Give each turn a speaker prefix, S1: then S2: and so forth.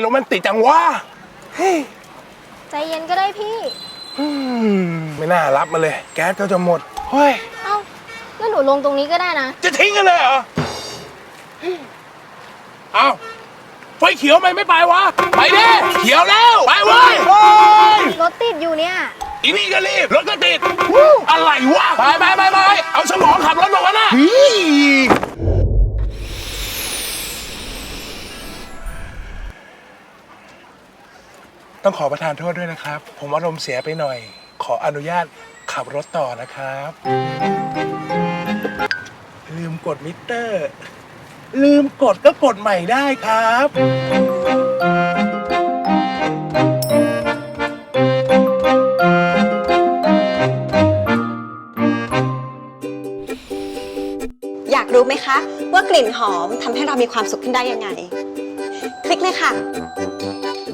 S1: แมนติกจังวะ
S2: ใจเย็นก็ได้พี่
S1: ไม่น่ารับมาเลยแก๊สก็จะหมดเฮ้ย
S2: เอ้างั้นหนูลงตรงนี้ก็ได้นะ
S1: จะทิ้งกันเลยเหรอเอาไฟเขียวไม่ไปวะไปดิเขียวแล้วไปเว้ย
S2: รถติดอยู่เนี่ย
S1: อีนี่ก็รีบรถก็ติดอะไรวะไปเอาสมองขับรถมาวะน่ะต้องขอประทานโทษด้วยนะครับผมอารมณ์เสียไปหน่อยขออนุญาตขับรถต่อนะครับลืมกดมิเตอร์ลืมกดก็กดใหม่ได้ครับ
S3: อยากรู้ไหมคะว่ากลิ่นหอมทำให้เรามีความสุขขึ้นได้ยังไงคลิกเลยค่ะ